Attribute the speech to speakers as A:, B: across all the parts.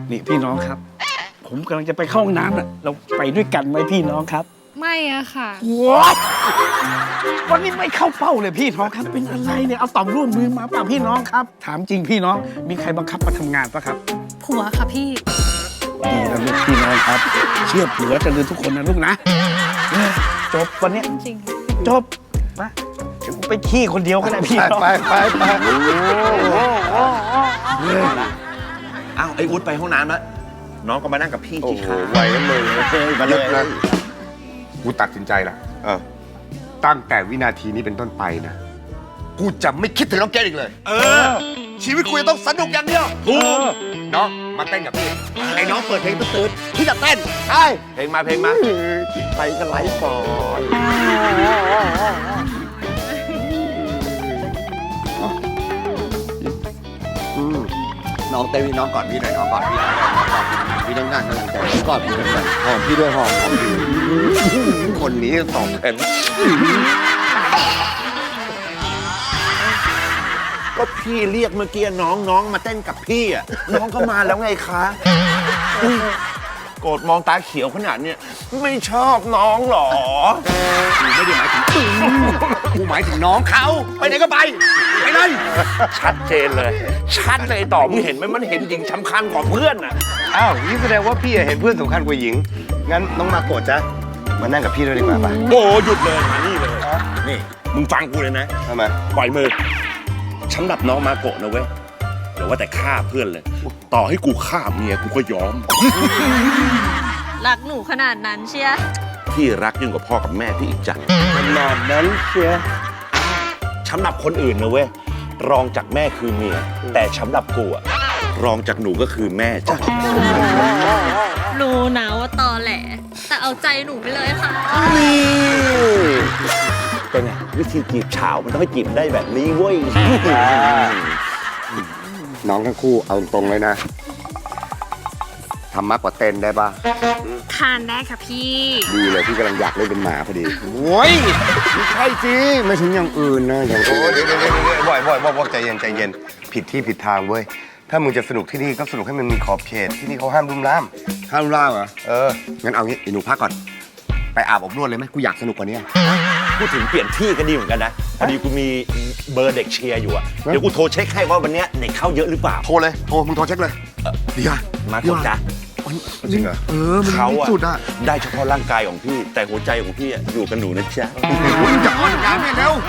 A: นี่พี่น้องครับ ผมกำลังจะไปเข้าห้องน้ำน่ะเราไปด้วยกันไหมพี่น้องครับ
B: ไม่อะค่ะ
A: ว้าวันนี้ไม่เข้าเป้าเลยพี่น้องครับเป็นอะไรเนี่ยเอาต่อมร่วมมือมาเปล่าพี่น้องครับ ถามจริงพี่น้องมีใครบังคับมาทำงานปะครับ
B: ผัวค่ะพี่
A: ดีนะลูกพี่น้องครับ เชื่อผัวจะลืมทุกคนนะลูกนะจบวันเนี้ย
B: จริง
A: จบมาเดี๋ยวกูไปขี้คนเดียวก็ได้พี่น้อง
C: ไป
D: อ้าวไอ้อุ๊ดไปห้องน้ำแล้วน้องก็มานั่งกับพี่
C: โอ้
D: ที่
C: โห
D: ขา
C: ไหวแล้วมึงมาเลยนะกูตัดสินใจละตั้งแต่วินาทีนี้เป็นต้นไปนะ กูจะไม่คิดถึงน้องเกดอีกเลย ชีวิตกูจะต้องสนุกอย่างเดียวถูกน้องมาเต้นกับพี่ไอ้น้องเปิดเพลงตื่นๆพี่จะเต้นใช่
D: เพลงมาเพลงมา
C: ไปกันไลฟ์ก่อน
E: น้องเต้นพี่น้องก่อนพี่หน่อยน้องก่อนพี่หน่อยพี่ต้องการกำลังใจก่อนพี่ด้วย
C: หอมพี่ด้วยหอมพี่
E: คนนี้สองคน
D: ก็พี่เรียกเมื่อกี้น้องมาเต้นกับพี่อ่ะน้องก็มาแล้วไงคะโกรธมองตาเขียวขนาดเนี้ยไม่ชอบน้องหรอ
E: ไม่ได้หมายถึงกูหมายถึงน้องเขาไปไหนก็ไปไปเลย
D: ชัดเจนเลย ชัดเลยต่อมึงเห็นไหมมันเห็นหญิงสำคัญกว่าเพื่อนอ่ะ
C: อ้าวนี่แสดงว่าพี่เห็นเพื่อนสำคัญกว่าหญิง งั้นน้องมาโกรธจ้ะมานั่งกับพี่ด้วยดีกว่าป่ะ
D: โอ้หยุดเลยมานี่เลยนี่มึงฟังกูเลยนะ
C: ทำไม
D: ปล่อยมือสำหรับน้องมาโกะนะเว้ยเดี๋ยวว่าแต่ฆ่าเพื่อนเลย ต่อให้กูฆ่าเมียกูก็ยอม
B: รักหนูขนาดนั้นเชีย
D: พี่รักยิ่งกว่าพ่อกับแม่พี่อีกจัง
C: ขนาดนั้นเชียร์
D: สำหรับคนอื่นนะเว้ยรองจากแม่คือเมียแต่สำหรับกูอะรองจากหนูก็คือแม่จ้ะ
B: รู้นะว่าตอแหล แต่เอาใจหนูไปเลยค่ะ
D: เป็นไงวิธีจีบฉาวมันต้องให้จีบได้แบบนี้เว้ย
C: น้องทั้งคู่เอาตรงเลยนะทำมากกว่าเต้นได้ป่ะ
B: ทานได้ค่ะพี่
C: ดีเลยพี่กำลังอยากเล่นเป็นหมาพอดีโอ้ยไม่ใช่สิไม่ถึงอย่างอื่นนะอย่างโอ้เดี๋ยวบ่อยใจเย็นใจเย็นผิดที่ผิดทางเว้ยถ้ามึงจะสนุกที่นี่ก็สนุกให้มันมีขอบเขตที่นี่เขาห้ามรุมร่าม
E: ห้ามล่าเหรอ
C: งั้นเอางี้ไอ้หนูพักก่อนไปอาบอบนวดเลยไหมกูอยากสนุกกว่านี้
D: พูดถึงเปลี่ยนที่ก็ดีเหมือนกันนะพอดีกูมีเบอร์เด็กเชียร์อยู่อะเดี๋ยวกูโทรเช็คให้ว่าวันเนี้ยเด็กเข้าเยอะหรือเปล่า
C: โทรเลยโทรมึงโทรเช็คเลยดีอ่ะ
D: มาโกะจ้ะ
C: จริงเหรอมัน
D: เขา
C: ที่
D: อะ
C: สุดอ่ะ
D: ได้เฉพาะร่างกายของพี่ แต่หัวใจของพี่อะอยู่กับหนูนะจ๊ะ
C: มึงจะอ้อนงานเนี่ยเร็ว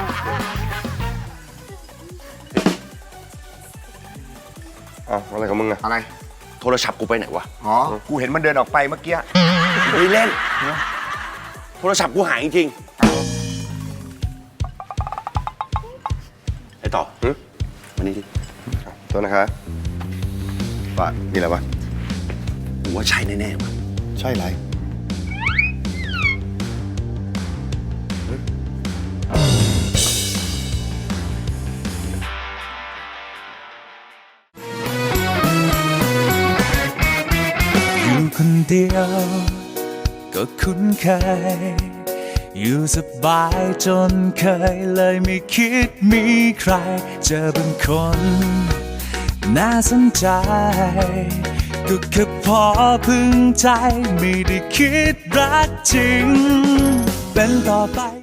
C: อะไรของมึงอะอะไร
D: โทรศัพท์กูไปไหนวะ
C: อ๋อ กูเห็นมันเดินออกไปเมื่อกี้
D: ไม่เล่น โทรศัพท์กูหายจริงๆไอ้ต่อมานี่ดิ
C: โทษนะครับว่ามีอะไรวะ
D: กูว่าใช่แน่ๆว่ะ
C: ใช่ไร
F: อยู่คนเดียวก็คุ้นเคยอยู่สบายจนเคยเลยไม่คิดมีใครเจอเป็นคนน่าสนใจก็แค่พอพึงใจไม่ได้คิดรักจริงเป็นต่อไป